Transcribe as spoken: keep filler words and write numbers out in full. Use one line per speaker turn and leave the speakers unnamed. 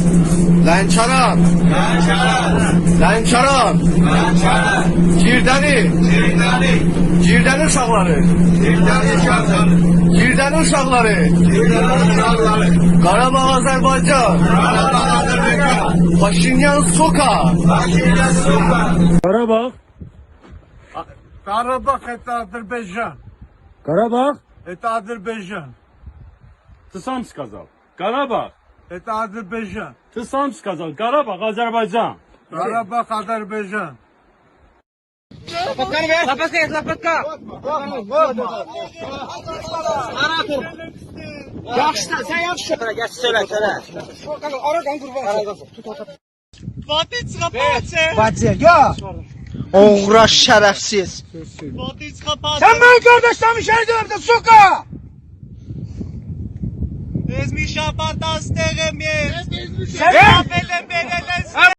Lənkəran,
Lənkəran,
Lənkəran,
Lənkəran,
Girdəni,
Girdəni,
Girdəni uşaqları,
Girdəni uşaqları,
Girdəni uşaqları,
Girdəni uşaqları,
Qarabağ Azərbaycan,
Qarabağ Azərbaycan,
Paşinyan Soka,
Paşinyan Soka,
Karabağ,
Karabağ это Азербайджан.
Карабağ,
Это Азербайджан.
ты сам сказал. Карабağ,
Это Азербайджан.
ты сам сказал. Карабağ, Азербайджан.
Карабах, Азербайджан.
Oğra şərəfsiz.
Sen benim kardeşlerimi şehit edemedin soka!
Es mi fantastic, mi.
Sen